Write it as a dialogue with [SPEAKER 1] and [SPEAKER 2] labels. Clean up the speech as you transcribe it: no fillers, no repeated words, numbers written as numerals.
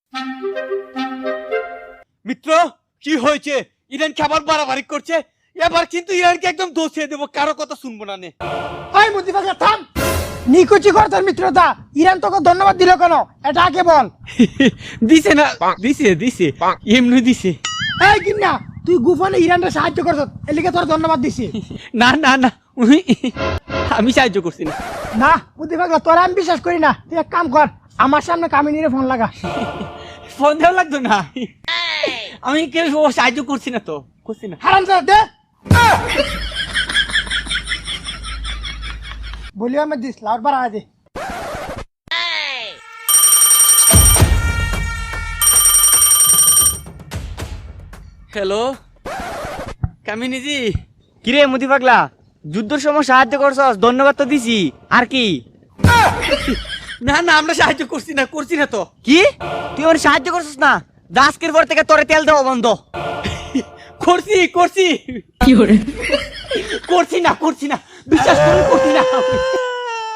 [SPEAKER 1] মিত্র কি হয়েছে? ইরান খাবার বাড়াবাড়ি করছে, এবার কিন্তু ইরানকে একদম দোষে দেবো, কারো কথা শুনবো না নে।
[SPEAKER 2] ওই মুদি পাগলা থাম, নিকুচি কর তোর মিত্রতা। ইরান তোকে ধন্যবাদ দিল কেন এটা আগে বল।
[SPEAKER 1] দিছে না? দিছে এমনি দিছে।
[SPEAKER 2] এই কিন্না, তুই গোপনে ইরানকে সাহায্য করছ, এলিকে তোর ধন্যবাদ দিছি।
[SPEAKER 1] না আমি সাহায্য করছি না।
[SPEAKER 2] না মুদি পাগলা, তোর আমি বিশ্বাস করি না। তুই এক কাম কর, আমার সামনে কামিনীরে ফোন লাগা।
[SPEAKER 1] ফোন দেওয়া লাগতো না, আমি কেউ সাহায্য করছি না তো, করছি না।
[SPEAKER 2] হারামজাদা দে। বলিও আমি দিস লাউড বাড়া দে।
[SPEAKER 1] হ্যালো কামিনীজি।
[SPEAKER 3] কিরে মুদি পাগলা, যুদ্ধের সময় সাহায্য করছস, ধন্যবাদ তো দিছি, আর কি?
[SPEAKER 1] না আমরা সাহায্য করছি না তো।
[SPEAKER 3] কি তুই আমার সাহায্য করছস না? আজকের পর থেকে তোরে তেল দেওয়া বন্ধ।
[SPEAKER 1] করছি করছি না, বিশ্বাস করছি না।